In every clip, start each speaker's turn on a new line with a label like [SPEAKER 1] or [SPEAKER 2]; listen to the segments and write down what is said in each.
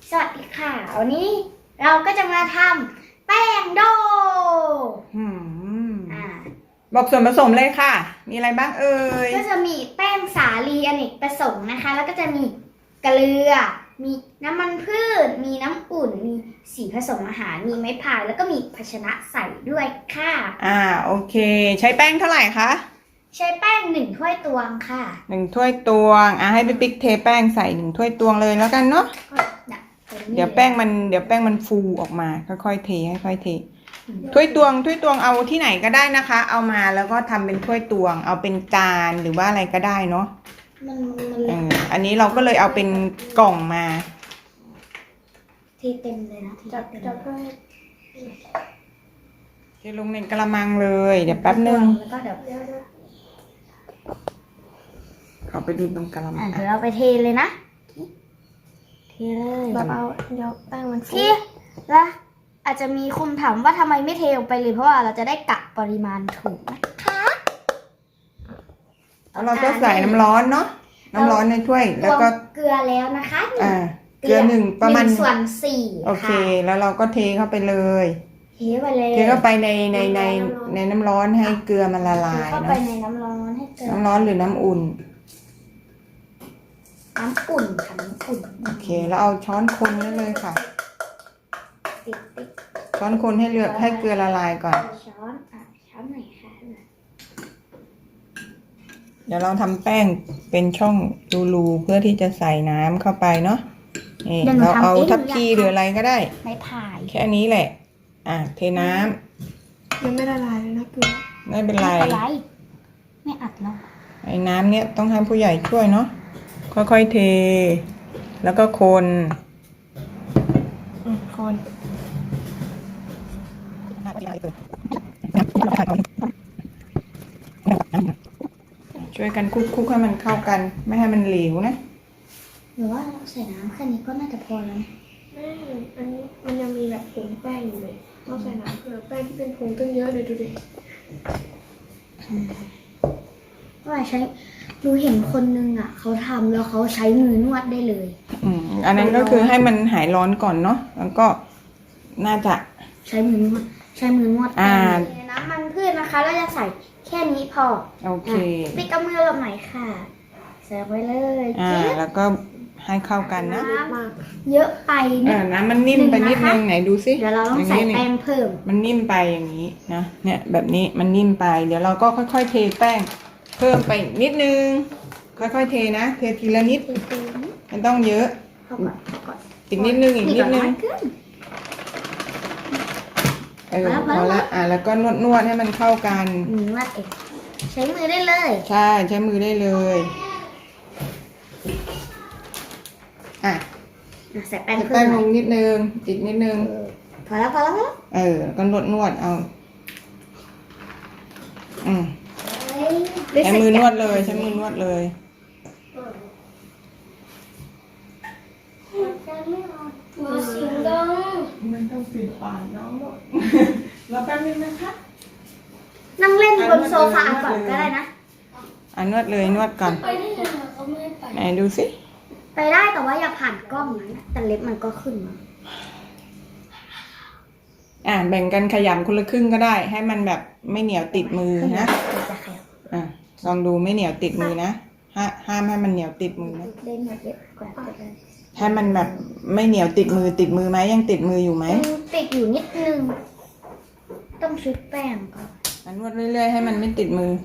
[SPEAKER 1] สวัสดีค่ะวันนี้เราก็จะมาทำแป้งโด
[SPEAKER 2] บอกส่วนผสมเลยค่ะมีอะไรบ้างเอ่ย
[SPEAKER 1] ก็จะมีแป้งสาลีอเนกประสงค์นะคะแล้วก็จะมีเกลือมีน้ำมันพืชมีน้ำอุ่นมีสีผสมอาหารมีไม้พายแล้วก็มีภาชนะใส่ด้วยค่ะ
[SPEAKER 2] โอเคใช้แป้งเท่าไหร่คะ
[SPEAKER 1] ใช้แป้ง1 ถ้วยตวงค่ะ
[SPEAKER 2] 1 ถ้วยตวงให้พี่ปิ๊กเทแป้งใส่1 ถ้วยตวงเลยแล้วกันเนาะเดี๋ยวแป้งมันฟูออกมาค่อยๆเทค่อยๆเทถ้วยตวงเอาที่ไหนก็ได้นะคะเอามาแล้วก็ทำเป็นถ้วยตวงเอาเป็นจานหรือว่าอะไรก็ได้เนาะอันนี้เราก็เลยเอาเป็นกล่องมา
[SPEAKER 1] เทเต็มเลยนะ
[SPEAKER 3] จับ
[SPEAKER 2] เทลงในกระมังเลยเดี๋ยวแป๊บนึง
[SPEAKER 1] แล้วก็เดี๋ยว
[SPEAKER 2] เอาไปดูตรงกระมัง
[SPEAKER 1] เดี๋ยวเราไปเทเลยนะเทเลย
[SPEAKER 3] เบาๆเดี๋ยวแป้งมันฟู
[SPEAKER 1] แล้วอาจจะมีคนถามว่าทำไมไม่เทลงไปเลยเพราะว่าเราจะได้กะปริมาณถูกนะคะ
[SPEAKER 2] แล้วเราก็ใส่น้ำร้อนเนาะน้ำร้อนในถ้วยแล้วก็
[SPEAKER 1] เกลือแล้วนะคะ
[SPEAKER 2] เกลือ1ประมาณ
[SPEAKER 1] 1/4
[SPEAKER 2] โอเคแล้วเราก็เทเข้าไปเลย
[SPEAKER 1] เทไปเลย
[SPEAKER 2] เทเข้าไปในน้ำร้อนให้เกลือมันละลาย
[SPEAKER 1] เข้าไปในน้ำร้อนให้เกลือ
[SPEAKER 2] น้ำร้อนหรือน้ำอุ่น
[SPEAKER 1] น้ำอุ่นค่ะน้ำอุ่น
[SPEAKER 2] โอเคแล้วเอาช้อนคนได้เลยค่ะช้อนคนให้เกลือละลายก่อน
[SPEAKER 1] ช้อนไหนคะ
[SPEAKER 2] เดี๋ยวเราทำแป้งเป็นช่องรูๆเพื่อที่จะใส่น้ำเข้าไปเนาะนี่เราเอาทัพพีหรืออะไรก็ได้
[SPEAKER 1] ไม่ผ่าย
[SPEAKER 2] แค่นี้แหละเทน้
[SPEAKER 3] ำยังไม่ละลายเลยนะเกลือ
[SPEAKER 2] ไม่เป็นไร
[SPEAKER 1] ไม่อัดเนาะ
[SPEAKER 2] ไอ้น้ำเนี้ยต้องให้ผู้ใหญ่ช่วยเนาะค่อยๆเทแล้วก็คนช่วยกันคลุกให้มันเข้ากันไม่ให้มันเหลวนะ
[SPEAKER 1] หรือว่าเราใส่น้ำแค่นี้ก็น่าจะพอแล้ว
[SPEAKER 3] ไม่อันนี้มันยังมีแบบผงแป้งอยู่เลยเราใส่น้ำเกลือแป้งที่เป็นผงตั้งเยอะเลยดูดิ
[SPEAKER 1] ว่าดูเห็นคนนึงเขาทำแล้วเขาใช้มือนวดได้เลย
[SPEAKER 2] อันนั้นก็คือให้มันหายร้อนก่อนเนาะแล้วก็น่าจะ
[SPEAKER 1] ใช้มือนวดน้ำมันพืชนะคะเราจะใส่แค่นี้พอ
[SPEAKER 2] โอเค
[SPEAKER 1] ปิดกระมือลงหน่อยค่ะใส่ไว้เลย
[SPEAKER 2] แล้วก็ให้เข้ากันนะ
[SPEAKER 1] เยอะไป
[SPEAKER 2] น้ำมันนิ่มไปนิดนึงไหนดูสิ
[SPEAKER 1] เดี๋ยวเราต้องใส่แป้งเพิ่ม
[SPEAKER 2] มันนิ่มไปอย่างนี้นะเนี่ยแบบนี้มันนิ่มไปเดี๋ยวเราก็ค่อยๆเทแป้งเพิ่มไปนิดนึงค่อยๆเทนะเททีละนิดมันต้องเยอะอีกนิดนึงพอละแล้วก็นวดให้มันเข้ากัน
[SPEAKER 1] นวดเองใช้มือได้เลย
[SPEAKER 2] ใช่ใช้มือได้เลย
[SPEAKER 1] ใส่แป้ง
[SPEAKER 2] ลงนิดนึงอีกนิดนึง
[SPEAKER 1] พอแล้วก็
[SPEAKER 2] นวดเอาใช้มือนวดเลยมันต้องปิดปากน้องเราแป๊บนึงนะคะ
[SPEAKER 1] นั่งเล่นบนโซฟาก่อนก็ได้นะ
[SPEAKER 2] นวดเลยนวดก่อนไหนดูสิ
[SPEAKER 1] ไปได้แต่ว่าอย่าผ่านกล้องนะแต่เล็บมันก็ขึ้นมา
[SPEAKER 2] แบ่งกันขยำคนละครึ่งก็ได้ให้มันแบบไม่เหนียวติดมือนะลองดูไม่เหนียวติดมือนะห้ามให้มันเหนียวติดมือนะให้มันแบบไม่เหนียวติดมือไหมยังติดมืออยู่ไหม
[SPEAKER 1] ติดอยู่นิดนึงต้องชุบแป้งก่อน
[SPEAKER 2] นวดเรื่อยๆให้มันไม่ติดมือ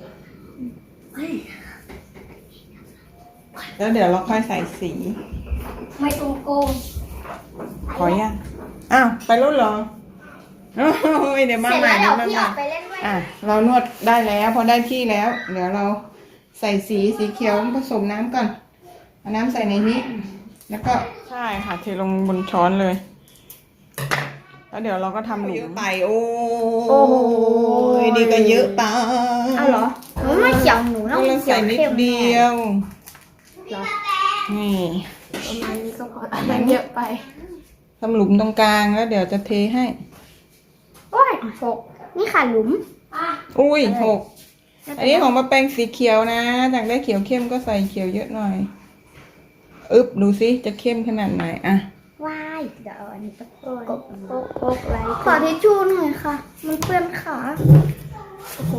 [SPEAKER 2] แล้วเดี๋ยวเราค่อยใส่สี
[SPEAKER 1] ไม่ตรงโกง
[SPEAKER 2] ขอยังไปรุ่นเหรอเดี๋ยวมาใหม่เรานวดได้แล้วพอได้ที่แล้วเดี๋ยวเราใส่สีเขียวผสมน้ำก่อนเอาน้ำใส่ในนี้แล้วก็ใช่ค่ะเทลงบนช้อนเลยแล้วเดี๋ยวเราก็ทำหลุมไปโอ้ดีก็เยอะไป
[SPEAKER 1] เหรอไม่เขียวหนูต้อง
[SPEAKER 2] ใส่นิดเดียวนี่
[SPEAKER 3] ประมาณนี้ก็พอมันเยอะไป
[SPEAKER 2] ทำหลุมตรงกลางแล้วเดี๋ยวจะเทให้
[SPEAKER 1] 6นี่ค่ะหลุม
[SPEAKER 2] 6อันนี้ของมาแปงสีเขียวนะจากได้เขียวเข้มก็ใส่เขียวเยอะหน่อยดูสิจะเข้มขนาดไหน
[SPEAKER 1] ว้ายเดี๋ยวเอาอันนี้ไป
[SPEAKER 3] โอ้ย
[SPEAKER 1] กบ
[SPEAKER 3] โป๊กไร
[SPEAKER 1] ขอทิชชู่หน่อยค่ะ มันเปื้อนขา
[SPEAKER 3] โอ้โห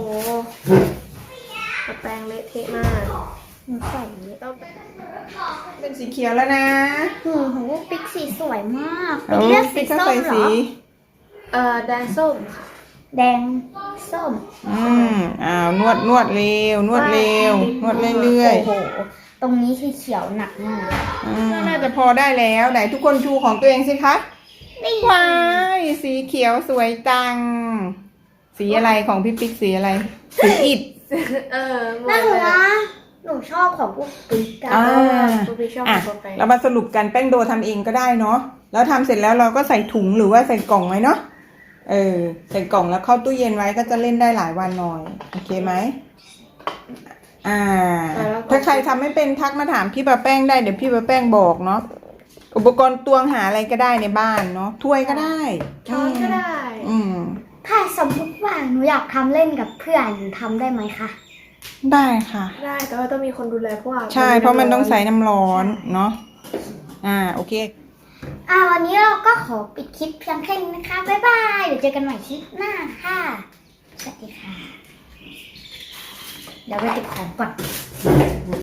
[SPEAKER 3] แปรงเละเทะมาก
[SPEAKER 1] หนูใส่เยอะ
[SPEAKER 3] ต้อง
[SPEAKER 2] เป็นสีเขียวแล้วนะ
[SPEAKER 1] หูของพวกปิ๊กสีสวยมาก
[SPEAKER 2] เอา
[SPEAKER 1] ปิ๊กเลือกสี
[SPEAKER 2] ปิ๊กก็
[SPEAKER 1] ส้
[SPEAKER 2] ใส่
[SPEAKER 1] มเหร
[SPEAKER 2] สี
[SPEAKER 1] อ
[SPEAKER 3] แดงส้มค่ะ
[SPEAKER 1] แดงส้ม
[SPEAKER 2] นวดนวดเร็วนวดเร็วนวดเรื่อย
[SPEAKER 1] โอ้โห ตรงนี้คือเขียวหนักมาก
[SPEAKER 2] ๆน่าจะพอได้แล้วไหนทุกคนชูของตัวเองสิคะ
[SPEAKER 1] นี่
[SPEAKER 2] ว้ายสีเขียวสวยจัง สีอะไรของพี่ปิ๊กสีอะไร สีอิฐ
[SPEAKER 3] หม
[SPEAKER 1] น่า
[SPEAKER 3] ด
[SPEAKER 1] หนู
[SPEAKER 3] เลย
[SPEAKER 1] ว่าหนูชอบของพวกปิ๊กอะ
[SPEAKER 2] อ่า
[SPEAKER 3] ตัวพี่ชอบ
[SPEAKER 2] อ่ะ
[SPEAKER 3] ตัวไป
[SPEAKER 2] เรามาสรุปกันแป้งโดทำเองก็ได้เนาะแล้วทำเสร็จแล้วเราก็ใส่ถุงหรือว่าใส่กล่องไว้เนาะใส่กล่องแล้วเข้าตู้เย็นไว้ก็จะเล่นได้หลายวันหน่อยโอเคไหมถ้าใครทำไม่เป็นทักมาถามพี่ปะแป้งได้เดี๋ยวพี่ปะแป้งบอกเนาะอุปกรณ์ตวงหาอะไรก็ได้ในบ้านเนาะถ้วยก็ได้
[SPEAKER 3] ช้อนก็ได้
[SPEAKER 2] อืม
[SPEAKER 1] ถ้าสมมติว่าหนูอยากทำเล่นกับเพื่อนทำได้ไหมคะ
[SPEAKER 2] ได้ค่ะ
[SPEAKER 3] ได้แต่ว่าต้องมีคนดูแลเพราะว่า
[SPEAKER 2] ใช่เพราะมันต้องใส่น้ำร้อนเนาะโอเค
[SPEAKER 1] วันนี้เราก็ขอปิดคลิปเพียงแค่นี้นะคะ บ๊ายบาย เดี๋ยวเจอกันใหม่คลิปหน้าค่ะ สวัสดีค่ะ เดี๋ยวไปเก็บของก่อน